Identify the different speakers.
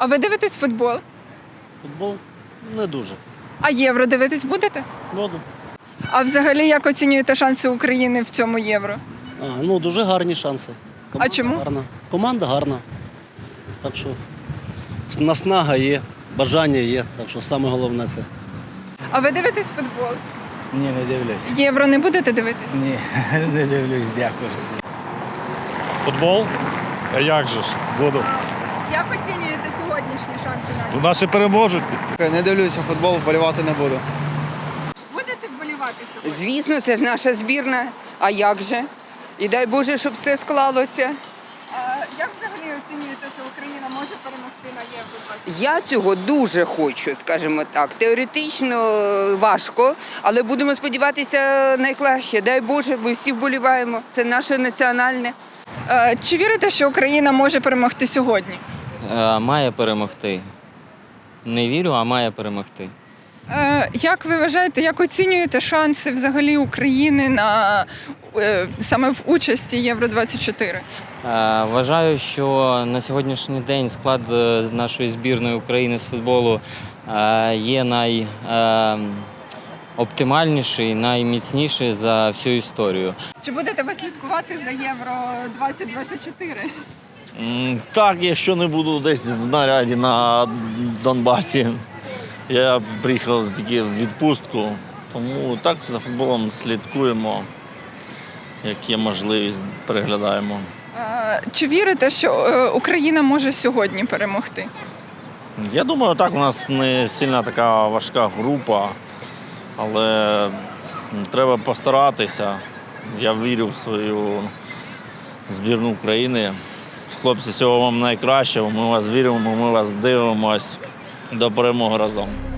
Speaker 1: А ви дивитесь футбол?
Speaker 2: Футбол не дуже.
Speaker 1: А євро дивитись будете?
Speaker 2: Буду.
Speaker 1: А взагалі як оцінюєте шанси України в цьому євро?
Speaker 2: Дуже гарні шанси. Команда
Speaker 1: чому?
Speaker 2: Гарна. Команда гарна. Так що наснага є, бажання є. Так що саме головне це.
Speaker 1: А ви дивитесь футбол?
Speaker 3: Ні, не дивлюсь.
Speaker 1: Євро не будете дивитись?
Speaker 3: Ні, не дивлюсь, дякую.
Speaker 4: Футбол? А як же ж? Буду.
Speaker 1: Як оцінюєте сьогоднішні шанси наші?
Speaker 4: Наші переможуть.
Speaker 3: Не дивлюся футбол, вболівати не буду.
Speaker 1: Будете вболівати сьогодні?
Speaker 5: Звісно, це ж наша збірна. А як же? І дай Боже, щоб все склалося.
Speaker 1: А як взагалі оцінюєте, що Україна може перемогти на Євро 20?
Speaker 5: Я цього дуже хочу, скажімо так. Теоретично важко, але будемо сподіватися найкраще. Дай Боже, ми всі вболіваємо. Це наше національне.
Speaker 1: Чи вірите, що Україна може перемогти сьогодні?
Speaker 6: Має перемогти. Не вірю, а має перемогти.
Speaker 1: Як ви вважаєте, як оцінюєте шанси взагалі України на саме в участі Євро 24?
Speaker 6: Вважаю, що на сьогоднішній день склад нашої збірної України з футболу є найоптимальніший, найміцніший за всю історію.
Speaker 1: Чи будете ви слідкувати за Євро 2024?
Speaker 7: Так, якщо не буду десь в наряді на Донбасі. Я приїхав тільки в відпустку, тому так за футболом слідкуємо, як є можливість, переглядаємо.
Speaker 1: Чи вірите, що Україна може сьогодні перемогти?
Speaker 7: Я думаю, так, у нас не сильно така важка група, але треба постаратися. Я вірю в свою збірну України. Хлопці, всього вам найкращого, ми вас віримо, ми вас дивимось. До перемоги разом.